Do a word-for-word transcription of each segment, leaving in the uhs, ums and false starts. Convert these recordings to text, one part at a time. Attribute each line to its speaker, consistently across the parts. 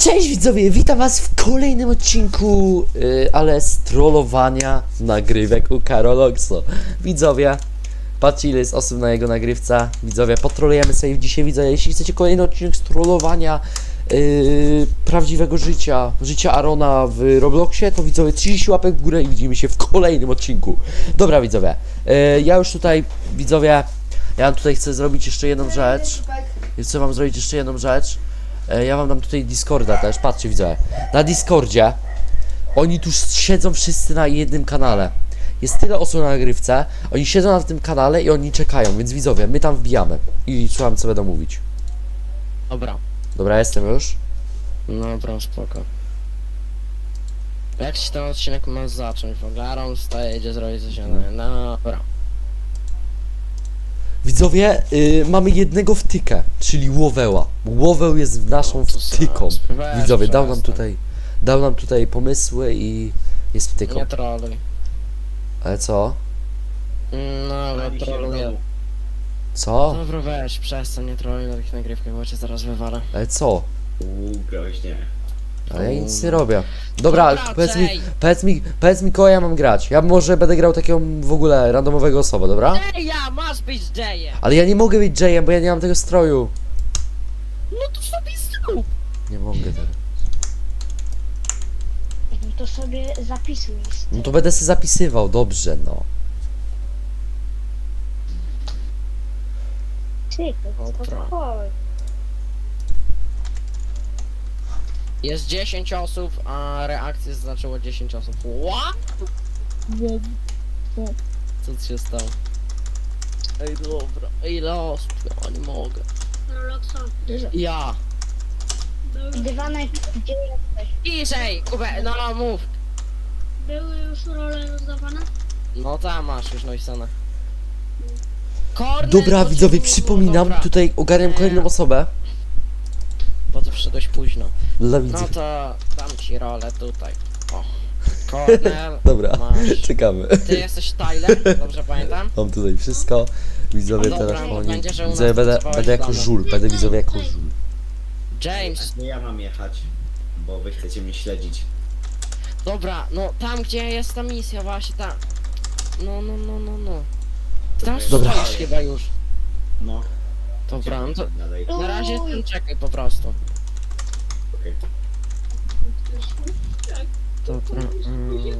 Speaker 1: Cześć widzowie, witam was w kolejnym odcinku, yy, ale z trollowania nagrywek u Karolokso. Widzowie, patrzcie ile jest osób na jego nagrywce. Widzowie, potrolujemy sobie dzisiaj, widzowie, jeśli chcecie kolejny odcinek z trollowania yy, prawdziwego życia, życia Arona w Robloxie, to widzowie trzydzieści łapek w górę i widzimy się w kolejnym odcinku. Dobra widzowie, yy, ja już tutaj, widzowie, ja tutaj chcę zrobić jeszcze jedną rzecz. Chcę wam zrobić jeszcze jedną rzecz. Ja wam dam tutaj Discorda też, patrzcie widzę. Na Discordzie oni tu siedzą wszyscy na jednym kanale. Jest tyle osób na nagrywce, oni siedzą na tym kanale i oni czekają, więc widzowie, my tam wbijamy i słucham co będą mówić.
Speaker 2: Dobra.
Speaker 1: Dobra, jestem już.
Speaker 2: No dobra, spoko. Jak się ten odcinek ma zacząć? W ogóle Aaron wstaje, idzie zrobić coś innego. No dobra.
Speaker 1: Widzowie, yy, mamy jednego wtykę, czyli Łoweła. Łoweł jest naszą
Speaker 2: No, to
Speaker 1: wtyką.
Speaker 2: sam, weź,
Speaker 1: Widzowie, dał nam
Speaker 2: przestań.
Speaker 1: tutaj, dał nam tutaj pomysły i jest wtyką.
Speaker 2: Nie troluj.
Speaker 1: Ale co?
Speaker 2: No, bo troluję.
Speaker 1: Co?
Speaker 2: Dobra, weź, przestań, nie troluj na tych nagrywkach, bo cię zaraz wywalę.
Speaker 1: Ale co?
Speaker 3: Uuu, groźnie.
Speaker 1: Ale ja nic nie robię. Dobra,
Speaker 2: Dobra,
Speaker 1: powiedz mi,
Speaker 2: Jay.
Speaker 1: powiedz mi, powiedz mi kogo ja mam grać. Ja może będę grał takiego w ogóle randomowego osobę, dobra?
Speaker 2: Jaya, masz być Jayem!
Speaker 1: Ale ja nie mogę być Jayem, bo ja nie mam tego stroju.
Speaker 2: No to sobie zrób!
Speaker 1: Nie mogę teraz.
Speaker 4: No to sobie zapisuj.
Speaker 1: No to będę sobie zapisywał, dobrze no.
Speaker 4: Tylko,
Speaker 2: Dobra.
Speaker 4: spokojnie.
Speaker 2: Jest dziesięć osób, a reakcję zaznaczyło dziesięć osób. What? Co ci się stało? Ej, dobra. Ile osób? Ja nie mogę. Ja.
Speaker 4: Dywanek, gdzie jesteś?
Speaker 2: Iżej, Kubę, no mów.
Speaker 5: Były już role rozdawane?
Speaker 2: No tam masz już napisane. Kornel,
Speaker 1: Dobra
Speaker 2: bo
Speaker 1: widzowie,
Speaker 2: ci-
Speaker 1: przypominam,
Speaker 2: dobra.
Speaker 1: tutaj ogarniam
Speaker 2: Nie.
Speaker 1: kolejną osobę.
Speaker 2: Bo ty przyszedłeś późno.
Speaker 1: Dla
Speaker 2: No
Speaker 1: widzów.
Speaker 2: to dam ci rolę tutaj. O. Kornel,
Speaker 1: Dobra,
Speaker 2: masz.
Speaker 1: czekamy.
Speaker 2: Ty jesteś Tyler, dobrze pamiętam?
Speaker 1: Mam tutaj wszystko. Widzowie
Speaker 2: Dobra,
Speaker 1: teraz
Speaker 2: no
Speaker 1: oni.
Speaker 2: będzie, że u nas
Speaker 1: Widzowie będę,
Speaker 2: pracowałeś
Speaker 1: będę jako
Speaker 2: plany.
Speaker 1: żul, będę widzowie jako żul.
Speaker 2: James,
Speaker 3: Nie ja mam jechać, bo wy chcecie mnie śledzić.
Speaker 2: dobra, no tam gdzie jest ta misja właśnie tam. No, no, no, no, no. Ty tam
Speaker 1: Dobra.
Speaker 2: stoisz chyba już.
Speaker 3: No.
Speaker 2: Dobra, no to
Speaker 3: Dalej.
Speaker 2: na razie ty czekaj po prostu.
Speaker 3: Okej.
Speaker 2: Dobra, mm.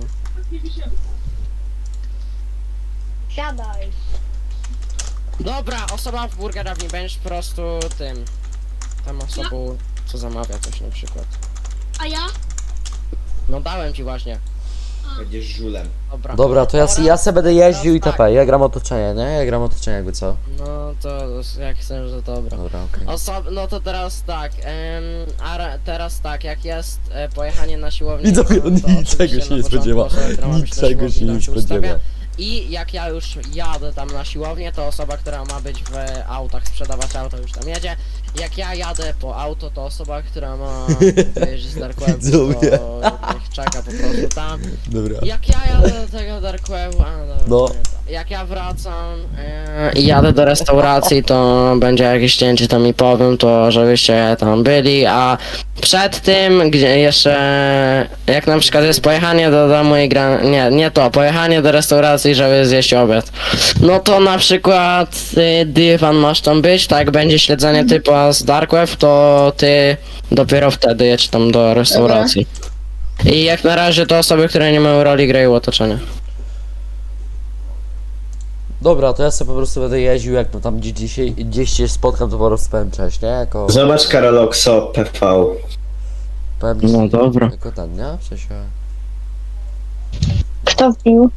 Speaker 4: Siadaj.
Speaker 2: Dobra, osoba w burgerowni, będziesz po prostu tym. Tam osobą, co zamawia coś na przykład.
Speaker 5: A ja?
Speaker 2: No dałem ci właśnie.
Speaker 3: Będziesz żulem.
Speaker 2: Dobra.
Speaker 1: Dobra, to ja,
Speaker 2: Oraz-
Speaker 1: ja se będę jeździł i
Speaker 2: teraz
Speaker 1: tp. Ja gram otoczenie, nie? Ja gram otoczenie jakby co.
Speaker 2: No to jak chcesz, że dobra.
Speaker 1: Dobra, okej.
Speaker 2: Osob no to teraz tak, em, a ra- teraz tak, jak jest e, pojechanie na siłownię.
Speaker 1: Widzowie,
Speaker 2: to
Speaker 1: on
Speaker 2: oczywiście
Speaker 1: niczego
Speaker 2: na
Speaker 1: się nie
Speaker 2: początku
Speaker 1: spodziewa.
Speaker 2: osoba, która ma być na
Speaker 1: Niczego się
Speaker 2: siłowni,
Speaker 1: nie
Speaker 2: tam ustawia.
Speaker 1: spodziewa.
Speaker 2: I jak ja już jadę tam na siłownię, to osoba, która ma być w autach, sprzedawać auto, już tam jedzie. Jak ja jadę po auto, to osoba, która ma wyjeździć z Dark Webu,
Speaker 1: Widzowie.
Speaker 2: to niech czeka po prostu tam.
Speaker 1: Dobra.
Speaker 2: Jak ja jadę do tego Dark Webu, a no,
Speaker 1: No.
Speaker 2: jak ja wracam e, i jadę do restauracji, to będzie jakieś cięcie, to mi powiem, to żebyście tam byli, a przed tym, gdzie jeszcze, jak na przykład jest pojechanie do domu i gra, nie, nie to, pojechanie do restauracji, żeby zjeść obiad, no to na przykład y, dywan masz tam być, tak, będzie śledzenie typa z Dark Web, to ty dopiero wtedy jedź tam do restauracji. I jak na razie to osoby, które nie mają roli, grają otoczenie.
Speaker 1: Dobra, to ja sobie po prostu będę jeździł, jak no tam gdzie dzisiaj, gdzieś się spotkam, to po prostu powiem cześć, nie? Jako,
Speaker 3: Zobacz Karolokso P V.
Speaker 1: powiem
Speaker 2: No dobra.
Speaker 1: jako ten, nie? W sensie...
Speaker 4: Kto wbił?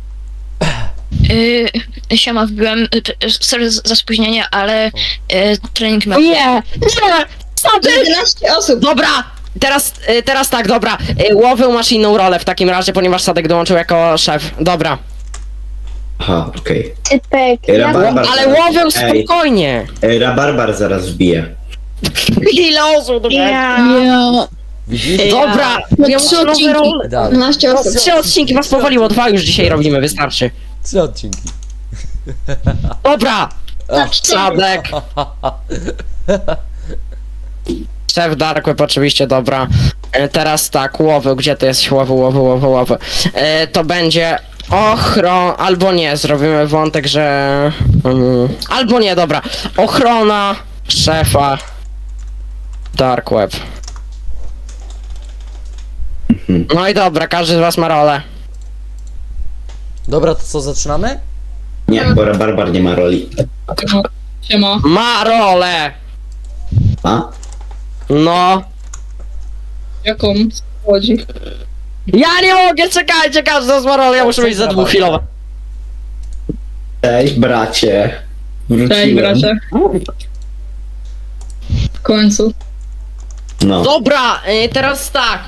Speaker 6: Yy, siema, wbiłem, y, t- sorry za za spóźnienie, ale y, trening miał.
Speaker 2: Nie! Nie! Sadek!
Speaker 4: jedenaście osób.
Speaker 2: Dobra! Teraz, y, teraz tak, dobra. Y, Łowył masz inną rolę w takim razie, ponieważ Sadek dołączył jako szef. Dobra.
Speaker 3: Aha, okej.
Speaker 4: Typek.
Speaker 3: Ej,
Speaker 4: Ja
Speaker 3: Rabarbar.
Speaker 2: Ale Łowył
Speaker 3: Ej.
Speaker 2: spokojnie!
Speaker 3: Ej, Rabarbar zaraz wbije.
Speaker 2: Ile osób do
Speaker 4: Ja.
Speaker 1: Widzisz?
Speaker 2: Dobra!
Speaker 6: No
Speaker 2: Ja
Speaker 6: trzy
Speaker 2: muszę nowe
Speaker 6: odcinki.
Speaker 2: role.
Speaker 1: Dalej.
Speaker 4: dwanaście osób.
Speaker 2: Trzy odcinki was powoliło, dwa już dzisiaj robimy, wystarczy.
Speaker 1: Trzy odcinki.
Speaker 2: Dobra!
Speaker 1: A.
Speaker 2: Sadek! Szef Dark Web oczywiście, dobra. E, Teraz tak, łowy, gdzie to jest łowy, łowy, łowy, łowy. E, to będzie ochron... Albo nie, zrobimy wątek, że... Mm, albo nie, dobra. Ochrona szefa Dark Web. No i dobra, każdy z was ma rolę.
Speaker 1: Dobra, to co, zaczynamy?
Speaker 3: Nie, bo Barbar nie ma roli.
Speaker 7: Siema.
Speaker 2: Ma rolę!
Speaker 3: A?
Speaker 2: No.
Speaker 7: Jaką? Co chodzi?
Speaker 2: Ja nie mogę, czekajcie, każdy z was ma rolę, ja muszę mieć za dwuchwilowe.
Speaker 3: Cześć, bracie. Wróciłem.
Speaker 7: Cześć, bracie. W końcu.
Speaker 3: No.
Speaker 2: Dobra, y, teraz tak.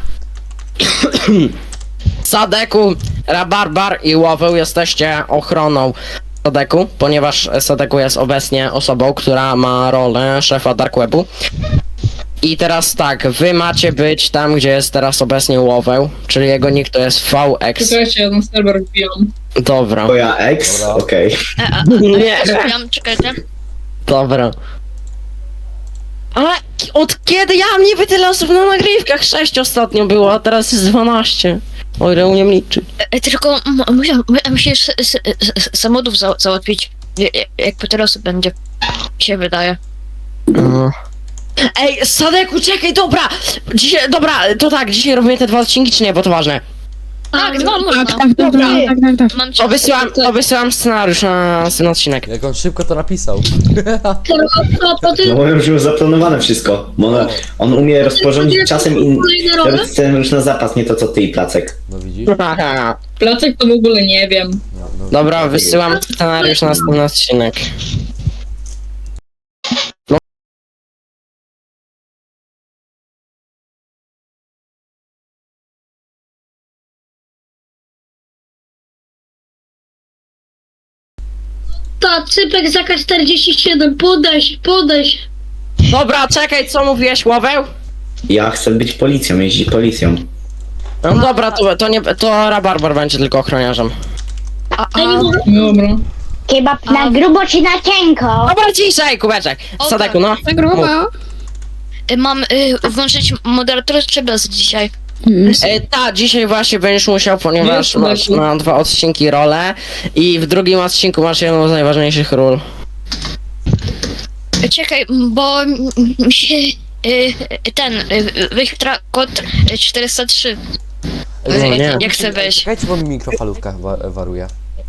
Speaker 2: Sadeku, Rabarbar i Łoweł jesteście ochroną Sadeku, ponieważ Sadeku jest obecnie osobą, która ma rolę szefa Dark Webu. I teraz tak, wy macie być tam, gdzie jest teraz obecnie Łoweł, czyli jego nick to jest V X.
Speaker 7: Czekajcie, ja na serwer wbijam.
Speaker 2: Dobra.
Speaker 3: Twoja ex?
Speaker 1: Dobra.
Speaker 3: Okej.
Speaker 6: E, a,
Speaker 2: Nie.
Speaker 6: a, ja, czekajcie.
Speaker 2: Dobra. Ale od kiedy ja mam niby tyle osób na nagrywkach? sześć ostatnio było, a teraz jest dwanaście. O ile umiem liczyć.
Speaker 6: E, Tylko m- musiał, mu- musisz s- s- s- samochodów za, załatwić. Je- je- Jakby tyle osób będzie. Mi się wydaje.
Speaker 2: No. Ej, Sadeku, czekaj, dobra! Dzisiaj, dobra, to tak, dzisiaj robimy te dwa odcinki, czy nie, bo to ważne.
Speaker 6: Tak, dwa można.
Speaker 2: Dobra,
Speaker 6: Mam czas.
Speaker 2: obysyłam, obysyłam scenariusz na ten odcinek.
Speaker 1: Jak on szybko to napisał.
Speaker 5: A potem
Speaker 3: No bo już było zaplanowane wszystko. Bo on, on umie rozporządzić czasem i
Speaker 5: kolejne role?
Speaker 3: robić scenariusz na zapas, nie to co ty i Placek.
Speaker 1: No widzisz?
Speaker 2: Haha.
Speaker 7: Placek to w ogóle nie wiem.
Speaker 1: No, no,
Speaker 2: Dobra, wysyłam scenariusz na ten odcinek.
Speaker 5: Ta, cypek za K czterdzieści siedem, podaj się, podaj się.
Speaker 2: Dobra, czekaj, co mówiłeś, Łoweł?
Speaker 3: Ja chcę być policją, jeździć policją.
Speaker 2: No dobra, to, to nie, to Rabarbar będzie tylko ochroniarzem.
Speaker 6: A,
Speaker 5: Ja nie
Speaker 6: a,
Speaker 5: mogę.
Speaker 7: Dobra.
Speaker 4: Kebab na grubo czy na cienko?
Speaker 2: Dobra, ciszej, kubeczek.
Speaker 6: Okej.
Speaker 2: Sadeku, no.
Speaker 6: y, mam y, włączyć moderatora czy bez dzisiaj?
Speaker 2: E, ta, dzisiaj właśnie będziesz musiał, ponieważ
Speaker 7: Nie,
Speaker 2: masz
Speaker 7: Sadeku.
Speaker 2: na dwa odcinki rolę i w drugim odcinku masz jedną z najważniejszych ról.
Speaker 6: Y, Czekaj, bo m- mi się y, ten y, wyświetla kod y, czterysta trzy.
Speaker 2: No
Speaker 6: Y,
Speaker 2: nie.
Speaker 6: Jak chcę wejść.
Speaker 1: Czekajcie, bo mi mikrofalówka wa waruje.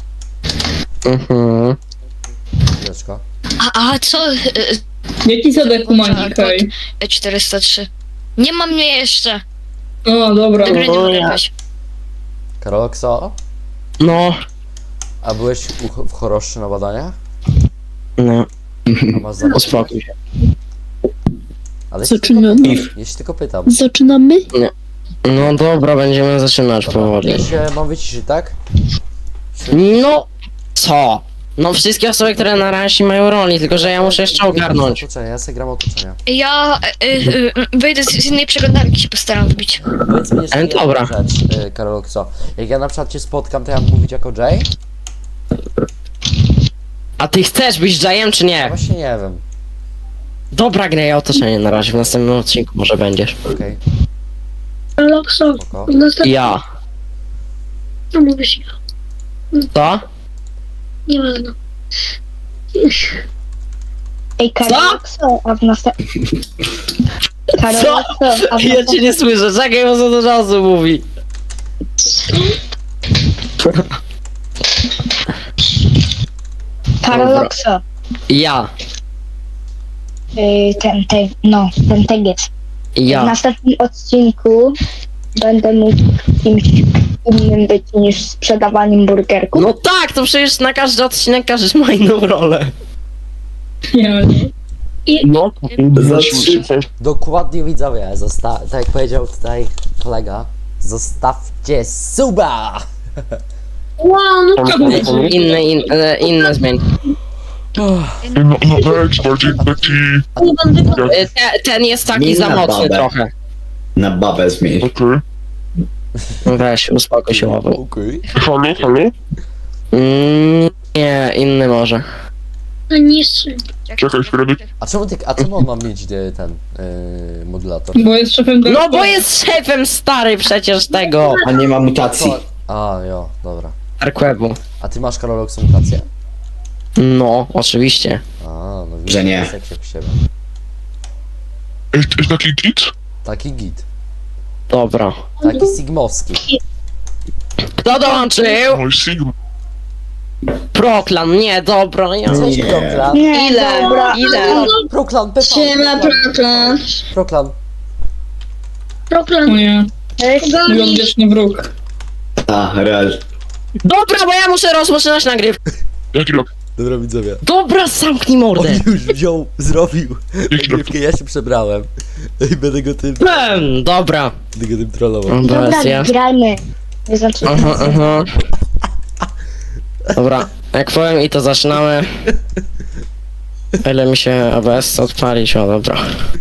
Speaker 2: Mhm.
Speaker 1: Chwileczko.
Speaker 6: A, a co? Y,
Speaker 7: Jaki Sadek ma
Speaker 6: Tak,
Speaker 7: nickaj?
Speaker 6: y, czterysta trzy. Nie mam mnie jeszcze.
Speaker 7: O, dobra.
Speaker 6: Tego nie
Speaker 2: O,
Speaker 6: mogę
Speaker 2: ja.
Speaker 6: wejść.
Speaker 1: Karolokso,
Speaker 2: No.
Speaker 1: a byłeś u, w choroszczy na badaniach?
Speaker 2: No,
Speaker 1: A masz za...
Speaker 2: uspokój się.
Speaker 1: Ale się tylko
Speaker 8: Zaczynamy.
Speaker 1: pytam. Ja się tylko pytam.
Speaker 8: Zaczynamy?
Speaker 2: No dobra, będziemy zaczynać powoli.
Speaker 1: Ja się mam wyciszyć, tak?
Speaker 2: No, co? No wszystkie osoby, które na razie mają roli, tylko że ja muszę jeszcze ogarnąć.
Speaker 1: Otoczenia, ja sobie gram otoczenia.
Speaker 6: Ja y, y, y, wyjdę z, z innej przeglądarki, się postaram wbić.
Speaker 1: Powiedz mi jeszcze
Speaker 2: Ale
Speaker 1: jedną
Speaker 2: dobra.
Speaker 1: rzecz, y, Karolokso. Jak ja na przykład cię spotkam, to ja mam mówić jako Jay?
Speaker 2: A ty chcesz być Jayem czy
Speaker 1: Ja
Speaker 2: nie?
Speaker 1: właśnie nie wiem.
Speaker 2: Dobra, graj otoczenie na razie, w następnym odcinku może będziesz.
Speaker 1: Okej,
Speaker 5: Lokso,
Speaker 1: spoko.
Speaker 5: w następnym...
Speaker 2: Ja.
Speaker 5: No mówisz,
Speaker 2: Co?
Speaker 5: nieważne.
Speaker 4: Ej, Karolokso, a w następnym... Karolokso, a w
Speaker 2: Ja cię
Speaker 4: następnym...
Speaker 2: nie słyszę, czekaj, bo za dużo osób mówi.
Speaker 4: Karolokso.
Speaker 2: Ja.
Speaker 4: Y, ten, ten, no, ten tegiec. W
Speaker 2: Ja.
Speaker 4: następnym odcinku będę mógł kimś innym być niż sprzedawaniem burgerków.
Speaker 2: No tak, to przecież na każdy odcinek każdy ma inną rolę.
Speaker 7: Nie,
Speaker 2: No.
Speaker 3: Za trzy.
Speaker 1: Dokładnie widzowie, zosta- tak jak powiedział tutaj kolega, zostawcie suba!
Speaker 5: Wow, no
Speaker 2: Inny, in, e, inny zmień.
Speaker 9: No, no weź, bardziej taki...
Speaker 2: E, Te, ten jest taki
Speaker 3: Zmień
Speaker 2: za
Speaker 3: na
Speaker 2: mocny
Speaker 3: babę.
Speaker 2: trochę.
Speaker 3: Na babę zmień.
Speaker 9: Okej.
Speaker 2: Weź, uspokój się, Łowu.
Speaker 1: Okej.
Speaker 9: Halo, halo?
Speaker 2: Mm, nie, inny może.
Speaker 5: niższy.
Speaker 9: Czekaj, Fredek.
Speaker 1: A czemu, ty, a czemu on ma mieć e, ten e, modulator?
Speaker 7: Bo jest szefem
Speaker 2: No
Speaker 7: Dark
Speaker 2: bo jest szefem stary przecież tego
Speaker 3: A nie ma mutacji.
Speaker 1: A, jo, dobra.
Speaker 2: Dark Webu.
Speaker 1: A ty masz Karolok mutację?
Speaker 2: No, oczywiście.
Speaker 1: A, no widzisz,
Speaker 3: Że nie.
Speaker 1: jest jak się w siebie.
Speaker 9: Ej, to jest taki git?
Speaker 1: Taki git.
Speaker 2: Dobra.
Speaker 1: Taki sigmowski.
Speaker 2: Kto dołączył?
Speaker 9: Oj, Sigma.
Speaker 2: Proklan, nie, dobra, ja...
Speaker 1: Cześć,
Speaker 3: Nie.
Speaker 1: Proklan.
Speaker 4: Nie,
Speaker 2: Ile?
Speaker 4: dobra.
Speaker 2: Ile?
Speaker 1: Proklan, Pepa.
Speaker 5: Siema, Proklan.
Speaker 1: Proklan.
Speaker 7: O
Speaker 5: Proklan.
Speaker 7: nie, mój
Speaker 5: Goni.
Speaker 7: odwieczny wróg.
Speaker 3: A, real.
Speaker 2: Dobra, bo ja muszę rozpoczynać nagrywkę.
Speaker 9: Jaki rok?
Speaker 1: Dobra, widzowie.
Speaker 2: Dobra, zamknij mordę.
Speaker 1: On już wziął, zrobił
Speaker 9: Jaki rok?
Speaker 1: nagrywkę, ja się przebrałem. I będę go tym,
Speaker 2: Em, Dobra.
Speaker 1: będę go tym trollował.
Speaker 2: Dobra,
Speaker 4: Dobra,
Speaker 2: ja.
Speaker 4: grajmy. Nie znaczy,
Speaker 2: Aha, aha. Dobra, jak powiem i to zaczynamy. O ile mi się A B S odpalić, o dobra.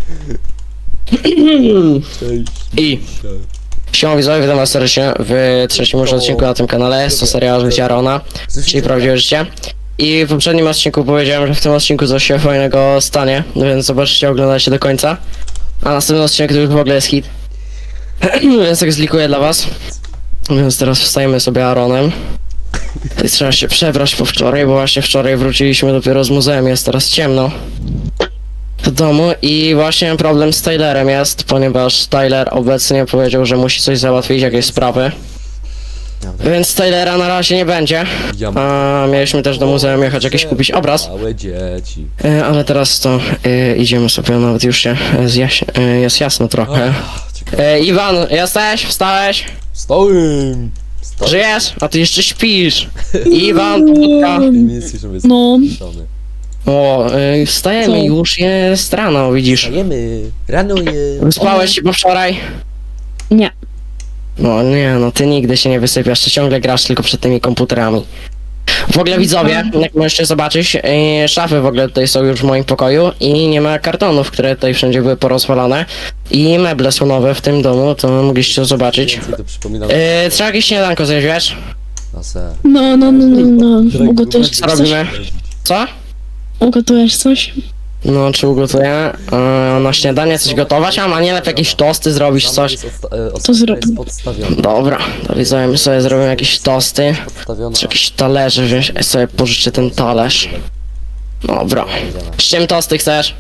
Speaker 1: Cześć.
Speaker 2: I siema widzowie, witam was serdecznie w trzecim już odcinku na tym kanale. Jest to serial Życia Rona, czyli prawdziwe życie. I w poprzednim odcinku powiedziałem, że w tym odcinku coś się fajnego stanie, więc zobaczcie, oglądajcie do końca. A następny odcinek to już w ogóle jest hit. Więc tak zlikuję dla was. Więc teraz wstajemy sobie Aaronem. I trzeba się przebrać po wczoraj, bo właśnie wczoraj wróciliśmy dopiero z muzeum, jest teraz ciemno w domu i właśnie problem z Tylerem jest, ponieważ Tyler obecnie powiedział, że musi coś załatwić, jakieś sprawy. Więc Tylera na razie nie będzie,
Speaker 1: Ja
Speaker 2: a mieliśmy też do muzeum jechać jakiś kupić obraz.
Speaker 1: Małe dzieci.
Speaker 2: E, ale teraz to e, idziemy sobie, nawet już się e, zjaś, e, jest jasno trochę. E, Iwan, jesteś? Wstałeś?
Speaker 1: Stołem. Stołem.
Speaker 2: Żyjesz? A ty jeszcze śpisz. Iwan, pobudka.
Speaker 1: Nie słyszę, jest
Speaker 7: No.
Speaker 1: stołony.
Speaker 2: O, y, wstajemy
Speaker 7: Co?
Speaker 2: już, jest rano, widzisz.
Speaker 1: Wstajemy, ranuje.
Speaker 2: Wyspałeś się po wczoraj?
Speaker 7: Nie.
Speaker 2: No nie, no ty nigdy się nie wysypiasz, ty ciągle grasz tylko przed tymi komputerami. W ogóle widzowie, jak możecie zobaczyć, y, szafy w ogóle tutaj są już w moim pokoju i nie ma kartonów, które tutaj wszędzie były porozwalane. I meble są nowe w tym domu, to mogliście to zobaczyć.
Speaker 1: Więcej to przypominam.
Speaker 2: Y, trzeba jakieś śniadanko zjeść, wiesz?
Speaker 1: Na se.
Speaker 8: No, no, no, no, no. Ugotujesz
Speaker 2: Co
Speaker 8: coś?
Speaker 2: robimy? Co?
Speaker 8: Ugotujesz coś?
Speaker 2: No, czy ugotuję? Y, na śniadanie coś gotować? A ma nie lepiej jakieś tosty zrobić, coś?
Speaker 1: Jest odsta- e,
Speaker 8: To zrób.
Speaker 1: jest podstawiona.
Speaker 2: Dobra, to widzowie, my sobie zrobimy jakieś tosty.
Speaker 1: Podstawiona.
Speaker 2: Czy jakiś talerze wziąć? Ja sobie pożyczę ten talerz. Dobra. Z czym tosty chcesz?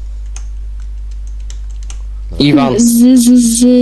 Speaker 2: Iwan.
Speaker 8: Z, z, z...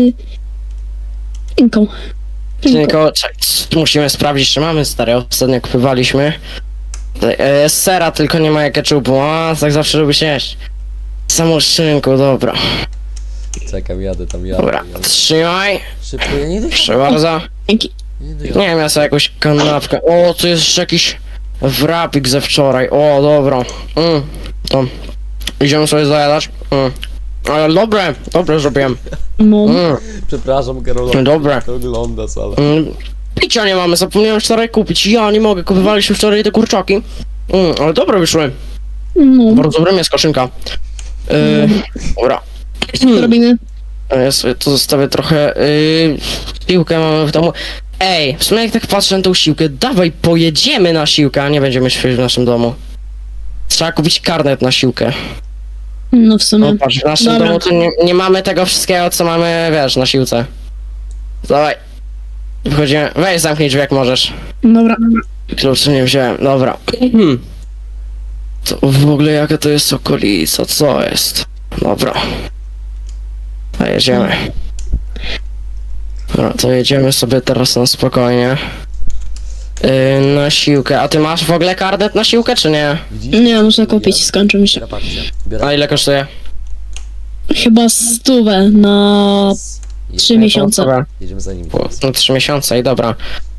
Speaker 8: Inką.
Speaker 2: Tylko czek- musimy sprawdzić, czy mamy stare. Ostatnio kupywaliśmy. E, z sera, tylko nie ma ketchupu. A, tak zawsze lubię się jeść. Samą szynku, dobra.
Speaker 1: Czekam, jadę tam, jadę.
Speaker 2: Dobra,
Speaker 1: jadę.
Speaker 2: trzymaj.
Speaker 1: Szybko, ja nie idę.
Speaker 2: Proszę bardzo.
Speaker 8: Dzięki.
Speaker 1: Nie idę.
Speaker 2: Nie wiem, ja sobie jakąś kanapkę. O, tu jest jeszcze jakiś wrapik ze wczoraj. O, dobra. Mm, to. Idziemy sobie zajadać. Mm. Ale dobre, dobre zrobiłem.
Speaker 8: No.
Speaker 2: Mm,
Speaker 1: Przepraszam, Karola.
Speaker 2: dobre.
Speaker 1: To oglądasz, ale...
Speaker 2: Mm. Picia nie mamy, zapomniałem wczoraj kupić. Ja nie mogę, kupowaliśmy wczoraj te kurczaki. Mm, ale dobre wyszły.
Speaker 8: No.
Speaker 2: Bardzo dobre mięsko, szynka. Yy, dobra.
Speaker 8: Co robimy?
Speaker 2: Ja sobie tu zostawię trochę. Yy, siłkę mamy w domu. Ej, w sumie jak tak patrzę na tą siłkę, dawaj pojedziemy na siłkę, a nie będziemy śpiewać w naszym domu. Trzeba kupić karnet na siłkę.
Speaker 8: No w sumie.
Speaker 2: No patrz, w naszym
Speaker 8: Dobra.
Speaker 2: domu to nie, nie mamy tego wszystkiego, co mamy, wiesz, na siłce. Dawaj. Wchodzimy. Weź zamknij drzwi jak możesz.
Speaker 8: Dobra.
Speaker 2: Kluczy nie wziąłem, dobra. Hmm. To w ogóle jaka to jest okolica, co jest? Dobra. A jedziemy. Dobra, to jedziemy sobie teraz na spokojnie. Yy, na siłkę. A ty masz w ogóle karnet na siłkę, czy nie?
Speaker 1: Widzisz?
Speaker 8: Nie, muszę kupić, skończy mi się.
Speaker 1: Biorę pakcie.
Speaker 2: A
Speaker 1: Biorę
Speaker 2: ile kosztuje?
Speaker 8: Chyba stówę na trzy miesiące.
Speaker 2: Dobra.
Speaker 1: Jedziemy za nim
Speaker 2: O,
Speaker 1: teraz.
Speaker 2: na trzy miesiące i dobra.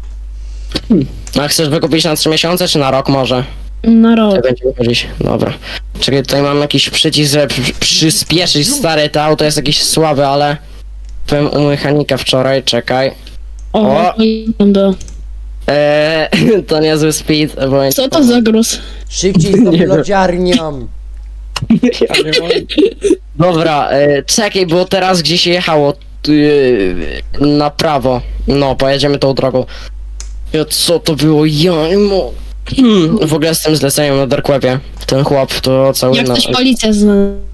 Speaker 2: A chcesz wykupić na trzy miesiące, czy na rok może?
Speaker 8: Na rok.
Speaker 2: Jak będziemy chodzić? Dobra. Czekaj, tutaj mam jakiś przycisk, żeby przy- przyspieszyć stary, to auto jest jakieś słabe, ale... Byłem u mechanika wczoraj, czekaj.
Speaker 8: O,
Speaker 2: O.
Speaker 8: tam było.
Speaker 2: Eee, to niezły speed, bo...
Speaker 8: Co to za gruz?
Speaker 1: Szybciej z tą
Speaker 2: Nie wiem.
Speaker 1: lodziarnią!
Speaker 2: Dobra, e, czekaj, bo teraz gdzie się jechało? E, na prawo. No, pojedziemy tą drogą. Ja, co to było? Ja nie mo... Hmm, w ogóle z tym zleceniem na Dark Webie. Ten chłop to cały
Speaker 8: Jak
Speaker 2: na...
Speaker 8: ktoś policja zna.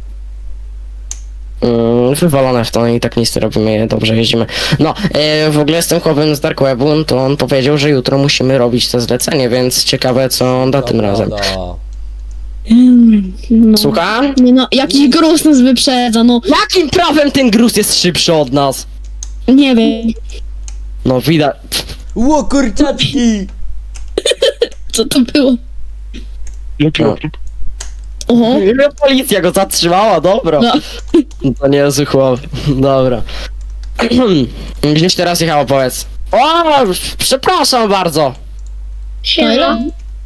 Speaker 2: Mm, wywalone w to i tak nic nie robimy, dobrze jeździmy. No, e, w ogóle z tym chłopem z Dark Webu, to on powiedział, że jutro musimy robić to zlecenie, więc ciekawe co on da tym razem.
Speaker 1: Dobra.
Speaker 8: Mm, No.
Speaker 2: Słucham?
Speaker 8: Nie no, jakiś gruz nas wyprzedza, no.
Speaker 2: Jakim prawem ten gruz jest szybszy od nas?
Speaker 8: Nie wiem,
Speaker 2: No widać.
Speaker 1: Ło, kurczaczki!
Speaker 8: co to było.
Speaker 9: Jaki
Speaker 2: No.
Speaker 9: laptop?
Speaker 8: Oho,
Speaker 2: Policja go zatrzymała, dobra.
Speaker 8: no.
Speaker 2: To nie jest chłop, dobra. Gdzieś teraz jechało, powiedz. O, przepraszam bardzo.
Speaker 5: Siema.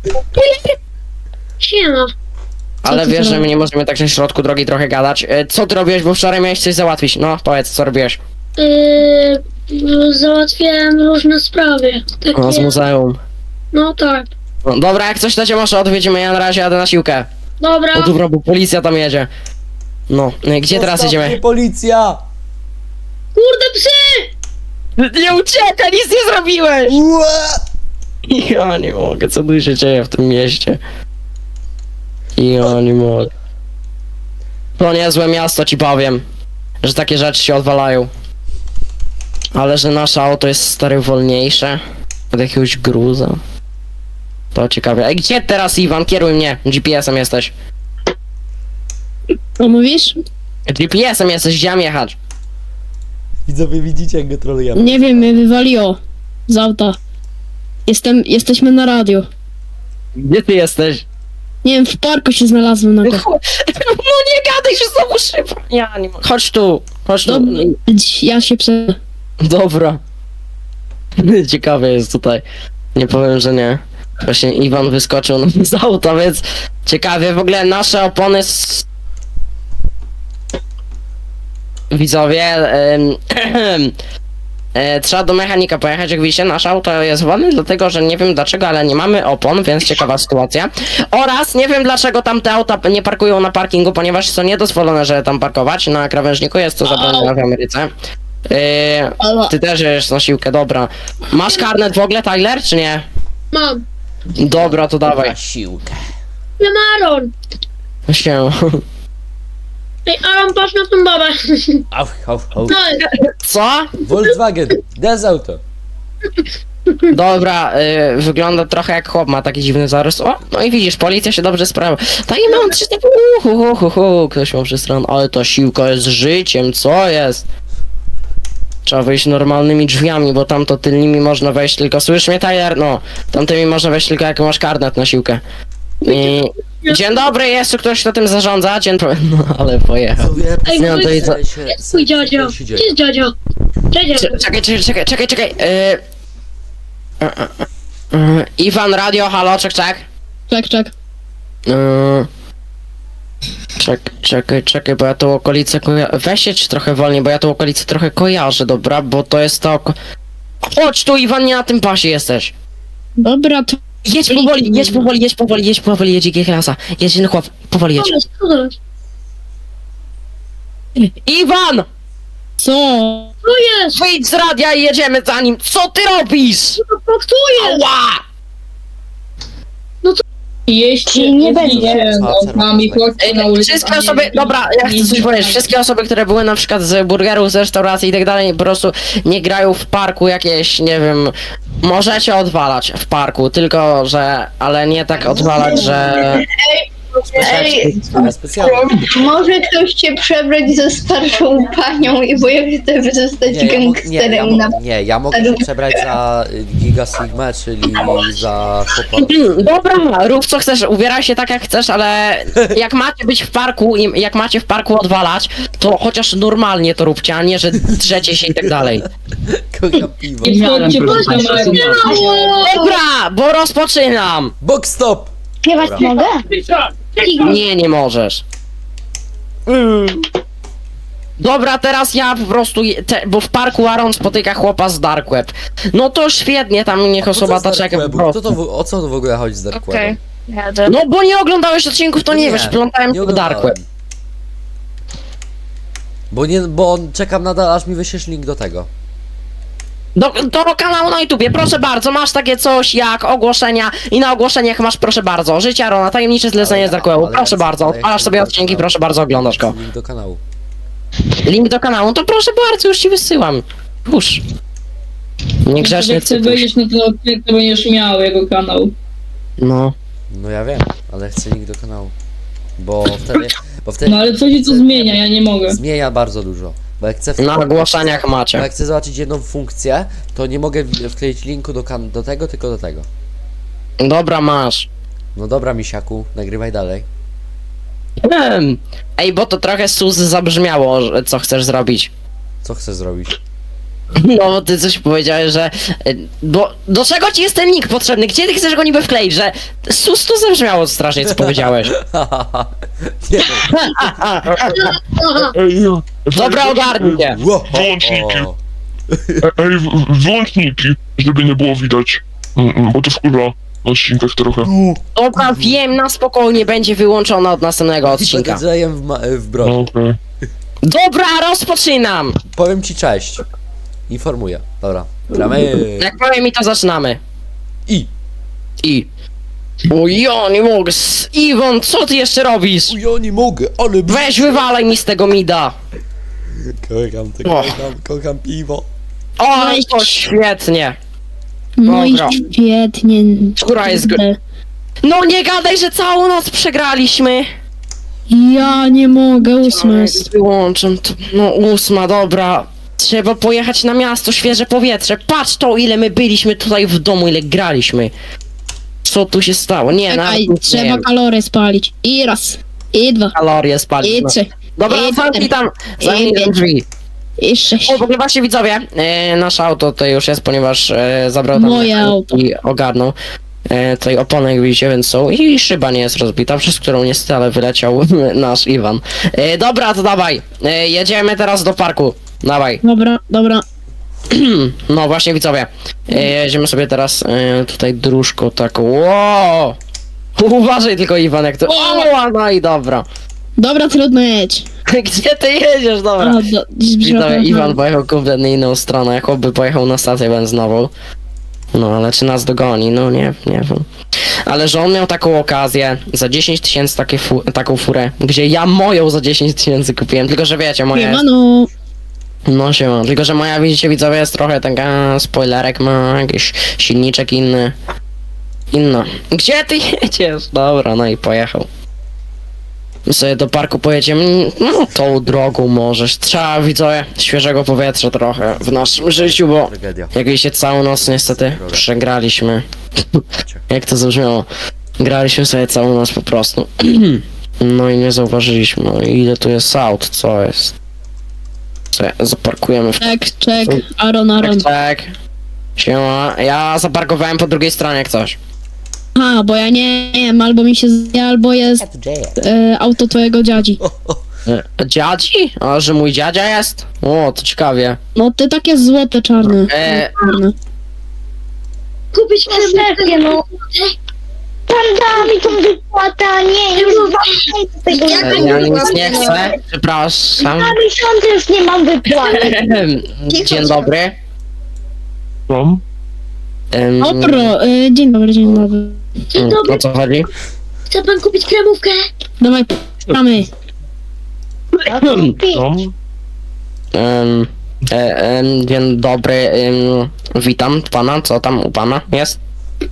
Speaker 5: Siema.
Speaker 2: Ale
Speaker 8: ty
Speaker 2: wiesz, że my
Speaker 8: zrobiłeś?
Speaker 2: nie możemy tak na środku drogi trochę gadać. E, Co ty robiłeś, bo wczoraj miałeś coś załatwić? No, powiedz, co robiłeś?
Speaker 5: Yy, załatwiałem różne sprawy. Takie,
Speaker 2: No, z muzeum.
Speaker 5: no tak.
Speaker 2: No, dobra, jak coś to cię może odwiedzimy, ja na razie jadę na siłkę.
Speaker 5: Dobra.
Speaker 2: No dobra, bo policja tam jedzie. No, e, gdzie teraz
Speaker 1: Zostaw mnie,
Speaker 2: jedziemy?
Speaker 1: policja!
Speaker 5: Kurde psy!
Speaker 2: Nie uciekaj, nic nie zrobiłeś!
Speaker 1: Ła!
Speaker 2: Ja nie mogę, co tu się dzieje w tym mieście? Ja nie mogę. To niezłe miasto, ci powiem. Że takie rzeczy się odwalają. Ale że nasze auto jest stary wolniejsze od jakiegoś gruza. To ciekawe. Ej, gdzie teraz, Iwan? Kieruj mnie. G P S-em jesteś.
Speaker 8: Co mówisz?
Speaker 2: G P S-em jesteś, gdzie mam jechać?
Speaker 1: Widzowie, widzicie jak go trolujemy.
Speaker 8: Nie wiem, mnie wywaliło z auta. Jestem, jesteśmy na radio.
Speaker 2: Gdzie ty jesteś?
Speaker 8: Nie wiem, w parku się znalazłem na
Speaker 2: No
Speaker 8: go.
Speaker 2: nie gadaj, że znowu szyba. Ja nie mogę. Chodź tu, chodź tu.
Speaker 8: Dobra, ja się prze...
Speaker 2: Dobra. Ciekawe jest tutaj. Nie powiem, że nie. Właśnie Iwan wyskoczył nam z auta, więc ciekawie. W ogóle nasze opony s... Widzowie, em, e, trzeba do mechanika pojechać, jak widzicie, nasze auto jest wolne, dlatego, że nie wiem dlaczego, ale nie mamy opon, więc ciekawa sytuacja. Oraz nie wiem dlaczego tam te auta nie parkują na parkingu, ponieważ są niedozwolone, żeby tam parkować. Na krawężniku jest to zabronione w Ameryce. Yy, ty też jedziesz na siłkę, dobra. Masz karnet w ogóle, Tyler, czy nie?
Speaker 5: Mam.
Speaker 2: Dobra, to dawaj.
Speaker 1: Na siłkę.
Speaker 5: Wiem, Aaron.
Speaker 2: Się.
Speaker 5: Ej, Aaron, patrz na tą babę.
Speaker 1: Au, au, au.
Speaker 5: No,
Speaker 2: Co?
Speaker 1: Volkswagen, des auto.
Speaker 2: Dobra, y, wygląda trochę jak chłop, ma taki dziwny zarys. O, no i widzisz, policja się dobrze sprawia. Tak i mam trzy typy, uhu, hu, hu, hu. Ktoś ma przystron, ale ta siłka jest życiem, co jest? Trzeba wejść normalnymi drzwiami, bo tam to tylnymi można wejść tylko, słyszysz mnie, Tyler? No, tamtymi można wejść tylko jak masz karnet na siłkę. I... Dzień dobry, jest tu ktoś, kto tym zarządza? Dzień dobry. No, ale pojechał.
Speaker 1: Widzowie,
Speaker 5: Ej,
Speaker 2: Nie, no to i co?
Speaker 1: się-
Speaker 5: jest twój dziadzio.
Speaker 1: co się
Speaker 5: Gdzie
Speaker 1: dzieje?
Speaker 5: jest dziadzio? Dziadzio.
Speaker 2: Cze- Czekaj, czekaj, czekaj, czekaj, czekaj. Yy... E, e, e, e, Iwan, radio, halo, czek, czek.
Speaker 8: Czek, czek.
Speaker 2: Yy... Czek, czekaj, czekaj, bo ja tą okolicę koja... Weź jedź trochę wolniej, bo ja tą okolicę trochę kojarzę, dobra? Bo to jest to oko... Chodź tu, Iwan, nie na tym pasie jesteś.
Speaker 8: Dobra, to...
Speaker 2: Jedź powoli, jedź powoli, jedź powoli, jedź powoli, jedź G-klasa. Jedź, no chłop, powoli jedź.
Speaker 5: Pomysł, co to jest?
Speaker 2: Iwan!
Speaker 8: Co?
Speaker 5: Co jest?
Speaker 2: Wyjdź z radia i jedziemy za nim. Co ty robisz?
Speaker 5: Co to jest?
Speaker 2: Ała!
Speaker 4: Jeśli nie będzie.
Speaker 1: Spacer
Speaker 7: Nami
Speaker 1: można.
Speaker 7: chodźcie na ulicę.
Speaker 2: Wszystkie osoby, dobra, ja chcę coś powiedzieć, wszystkie osoby, które były na przykład z burgerów, z restauracji i tak dalej, po prostu nie grają w parku jakieś, nie wiem, możecie odwalać w parku, tylko że, ale nie tak odwalać, że...
Speaker 4: Ej,
Speaker 1: Ale specjalnie.
Speaker 4: może ktoś cię przebrać ze starszą panią i bo ja chcę zostać
Speaker 1: Nie, ja, mog, nie, ja,
Speaker 4: gangsterem na...
Speaker 1: mo, nie, ja mogę się przebrać za y, Giga Sigma, czyli za chłopa.
Speaker 2: Dobra, rób co chcesz, ubieraj się tak jak chcesz, ale jak macie być w parku i jak macie w parku odwalać, to chociaż normalnie to róbcie, a nie, że drzecie się i tak dalej.
Speaker 1: Kocham piwo.
Speaker 7: Chodźcie, proszę.
Speaker 2: Dobra, bo rozpoczynam!
Speaker 1: Box stop!
Speaker 4: Śpiewać mogę?
Speaker 2: Nie, nie możesz. Dobra, teraz ja po prostu, je- te, bo w parku Aaron spotyka chłopa z Dark Web. No to świetnie, tam niech osoba ta czeka po
Speaker 1: Co to,
Speaker 2: prostu.
Speaker 1: w- o co to w ogóle chodzi z Dark
Speaker 6: Okej,
Speaker 1: Webem?
Speaker 6: jadę.
Speaker 2: No bo nie oglądałeś odcinków, to nie, wiesz, plątałem się w Dark
Speaker 1: oglądałem.
Speaker 2: Web.
Speaker 1: Bo nie, bo czekam nadal aż mi wyślesz link do tego.
Speaker 2: Do, do kanału na YouTubie, proszę bardzo, masz takie coś jak ogłoszenia i na ogłoszeniach masz, proszę bardzo, Życie Arona, tajemnicze zlecenie z
Speaker 1: Ale-
Speaker 2: Dark Webu,
Speaker 1: ale
Speaker 2: proszę
Speaker 1: ja chcę-
Speaker 2: bardzo,
Speaker 1: ale ja
Speaker 2: odpalasz
Speaker 1: chcę
Speaker 2: sobie
Speaker 1: do
Speaker 2: odcinki,
Speaker 1: kanału.
Speaker 2: proszę bardzo, oglądasz go.
Speaker 1: Link do kanału.
Speaker 2: Link do kanału, to proszę bardzo, już ci wysyłam. Pusz. Niegrzecznie
Speaker 7: Jak chcę
Speaker 2: cytusz.
Speaker 7: wejść na ten odcinek, to będziesz miał jego kanał.
Speaker 2: No.
Speaker 1: No ja wiem, ale chcę link do kanału. Bo wtedy... Bo wtedy
Speaker 7: No ale co ci to zmienia, ja nie mogę.
Speaker 1: Zmienia bardzo dużo. Bo jak chcę...
Speaker 2: Na ogłoszeniach
Speaker 1: Bo
Speaker 2: macie.
Speaker 1: jak chcę zobaczyć jedną funkcję, to nie mogę w- wkleić linku do, kan- do tego, tylko do tego.
Speaker 2: Dobra, masz.
Speaker 1: No dobra, misiaku, nagrywaj dalej.
Speaker 2: Em. Ej, bo to trochę sus zabrzmiało, że- co chcesz zrobić.
Speaker 1: Co chcesz zrobić?
Speaker 2: No, bo ty coś powiedziałeś, że... y, Bo do czego ci jest ten link potrzebny? Gdzie ty chcesz go niby wkleić, że... Sus to zabrzmiało strasznie, co powiedziałeś.
Speaker 1: Nie
Speaker 9: Ej, ja-
Speaker 2: Dobra, ogarnij się.
Speaker 1: Wo-
Speaker 9: Wyłączniki.
Speaker 1: o.
Speaker 9: Ej, w- wyłączniki, żeby nie było widać. Mm, mm, Bo to wkurza na odcinkach trochę.
Speaker 2: Dobra, wiem, na spokojnie będzie wyłączona od następnego
Speaker 1: I
Speaker 2: odcinka.
Speaker 1: podjeżdżajem w, ma- w
Speaker 9: No,
Speaker 1: broń.
Speaker 9: okej.
Speaker 2: Dobra, rozpoczynam!
Speaker 1: Powiem ci cześć. Informuję. Dobra. Gramy.
Speaker 2: Jak powiem mi, to zaczynamy.
Speaker 1: I.
Speaker 2: I... O ja nie mogę, s- Iwon, co ty jeszcze robisz?
Speaker 1: U, ja nie mogę, ale...
Speaker 2: Weź wywalaj mi z tego mida.
Speaker 1: Kocham to,
Speaker 2: O.
Speaker 1: kocham, kocham piwo.
Speaker 2: O, to świetnie.
Speaker 8: No i
Speaker 2: Dobra.
Speaker 8: świetnie.
Speaker 2: Która jest gr- No nie gadaj, że całą noc przegraliśmy.
Speaker 8: Ja nie mogę, ósma jest.
Speaker 2: Wyłączam to. No ósma, dobra. Trzeba pojechać na miasto, świeże powietrze. Patrz to, ile my byliśmy tutaj w domu, ile graliśmy. Co tu się stało? Nie,
Speaker 8: Czekaj,
Speaker 2: nawet nie
Speaker 8: trzeba
Speaker 2: wiem.
Speaker 8: kalorie spalić. I raz, i dwa,
Speaker 2: Kalorie spalić.
Speaker 8: i
Speaker 2: No.
Speaker 8: trzy,
Speaker 2: Dobra,
Speaker 8: i
Speaker 2: zamknij
Speaker 8: cztery,
Speaker 2: tam, zamknij
Speaker 8: i
Speaker 2: tam
Speaker 8: pięć.
Speaker 2: drzwi.
Speaker 8: i sześć.
Speaker 2: O, w ogóle właśnie widzowie, e, nasze auto to już jest, ponieważ e, zabrał tam
Speaker 8: Moje
Speaker 2: mechanik
Speaker 8: auto.
Speaker 2: i ogarnął. E, tutaj opony, jak widzicie, więc są i szyba nie jest rozbita, przez którą niestety ale wyleciał nasz Iwan. E, dobra, to dawaj, e, jedziemy teraz do parku. Dawaj.
Speaker 8: Dobra, dobra.
Speaker 2: No właśnie widzowie, e, jedziemy sobie teraz e, tutaj dróżką taką. Wow! Uważaj tylko Iwan, jak to... O, no i dobra.
Speaker 8: Dobra, trudno jedź.
Speaker 2: Gdzie ty jedziesz, dobra?
Speaker 8: A, do,
Speaker 2: Widzowie, Iwan pojechał kompletnie inną stronę, jakoby pojechał na stację benzynową. No, ale czy nas dogoni? No nie, nie wiem. Ale że on miał taką okazję, za dziesięć tysięcy takie fu taką furę, gdzie ja moją za dziesięć tysięcy kupiłem, tylko że wiecie, moja jest...
Speaker 8: no.
Speaker 2: No siema, tylko że moja, widzicie widzowie, jest trochę taka, spoilerek ma, jakiś silniczek inny. Inna. Gdzie ty jedziesz? Dobra, no i pojechał. My sobie do parku pojedziemy, no tą drogą możesz. Trzeba, widzowie, świeżego powietrza trochę w naszym życiu, bo
Speaker 1: Tragedia.
Speaker 2: jak widzicie, całą noc niestety przegraliśmy. Jak to zabrzmiało? Graliśmy sobie całą noc po prostu. No i nie zauważyliśmy, no i ile tu jest aut, co jest? Co, zaparkujemy w...
Speaker 8: Czek, czek, Aaron,
Speaker 2: Tak,
Speaker 8: Aaron.
Speaker 2: tak. Siema, ja zaparkowałem po drugiej stronie jak coś.
Speaker 8: A, bo ja nie wiem, albo mi się zje, albo jest e, auto twojego dziadzi.
Speaker 2: E, Dziadzi? A, że mój dziadzia jest? O, to ciekawie.
Speaker 8: No ty takie złote, czarne.
Speaker 2: E,
Speaker 8: Czarne.
Speaker 5: Kupić
Speaker 4: Szefie, no. Pan da mi tą wypłatę, a nie, już dwa
Speaker 2: e,
Speaker 4: miesiące
Speaker 2: ja nic nie chcę, przepraszam.
Speaker 4: Dwa miesiące już nie mam wypłaty.
Speaker 2: Dzień dobry.
Speaker 9: Tam?
Speaker 2: Em,
Speaker 8: Dobro, e, dzień dobry, dzień dobry.
Speaker 5: Dzień
Speaker 2: O
Speaker 5: dobry,
Speaker 2: co chodzi?
Speaker 5: chce pan kupić kremówkę?
Speaker 8: Dawaj, mamy.
Speaker 9: Tam?
Speaker 2: Em, e, em, dzień dobry, em, witam pana, co tam u pana jest?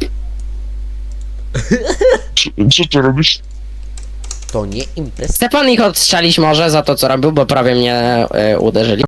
Speaker 9: Co, co ty robisz?
Speaker 1: To nie impreza.
Speaker 2: Chce pan ich odstrzelić może za to co robił, bo prawie mnie e, uderzyli.